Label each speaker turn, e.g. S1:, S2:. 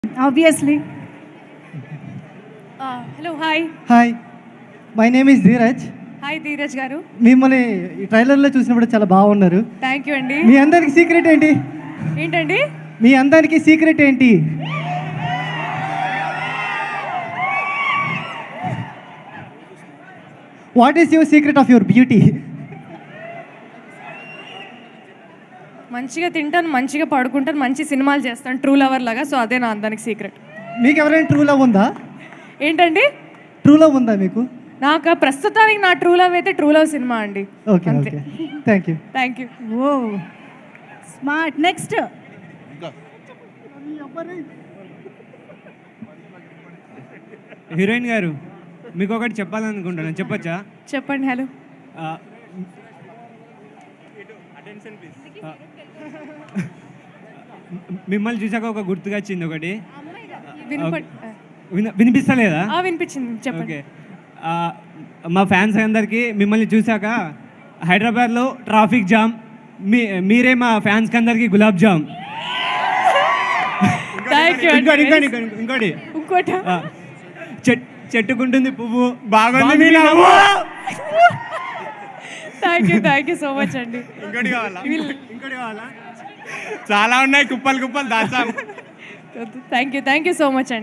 S1: Obviously.
S2: Hello hi
S3: hi my name is Dheeraj.
S2: Hi Dheeraj garu.
S3: మిమ్మల్ని ఈ ట్రైలర్లో చూసినప్పుడు చాలా బాగున్నారు.
S2: థ్యాంక్ యూ అండి.
S3: మీ అందరికి సీక్రెట్ ఏంటి?
S2: ఏంటండి?
S3: మీ అందరికి సీక్రెట్ ఏంటి? What is your secret of your beauty?
S2: మంచిగా తింటాను, మంచిగా పడుకుంటాను, మంచి సినిమాలు చేస్తాను, ట్రూ లవర్ లాగా. సో అదే నా అందానికి సీక్రెట్.
S3: మీకు ఎవరైనా ట్రూ లవ్ ఉందా?
S2: ఏంటండి?
S3: ట్రూ లవ్ ఉందా మీకు?
S2: నాకు ప్రస్తుతానికి నా ట్రూ లవ్ అయితే ట్రూ లవ్ సినిమా అండి.
S3: Okay okay, thank you.
S2: Thank you.
S1: Whoa. Smart. Next.
S4: Heroine garu, మీకు ఒకటి చెప్పాలనుకుంటున్నాను, చెప్పచ్చా?
S2: చెప్పండి. హలో.
S4: మిమ్మల్ని చూసాక ఒక గుర్తుగా వచ్చింది ఒకటి.
S2: వినప-
S4: వినిపిస్తలేదా?
S2: వినిపించింది, చెప్పండి.
S4: ఓకే. మా ఫ్యాన్స్ అందరికీ మిమ్మల్ని చూసాక హైదరాబాద్లో ట్రాఫిక్ జామ్, మీరే మా ఫ్యాన్స్కి అందరికీ గులాబ్ జామ్.
S2: Thank you.
S4: ఇంకోటి
S2: ఇంకోటి
S4: చెట్టుకుంటుంది పువ్వు
S5: బాగుంది మీ నవ్వు.
S2: థ్యాంక్ యూ సో మచ్ అండి.
S5: ఇంకోటి కావాలా? చాలా ఉన్నాయి, కుప్పలు కుప్పలు దాచాం.
S2: థ్యాంక్ యూ సో మచ్ అండి.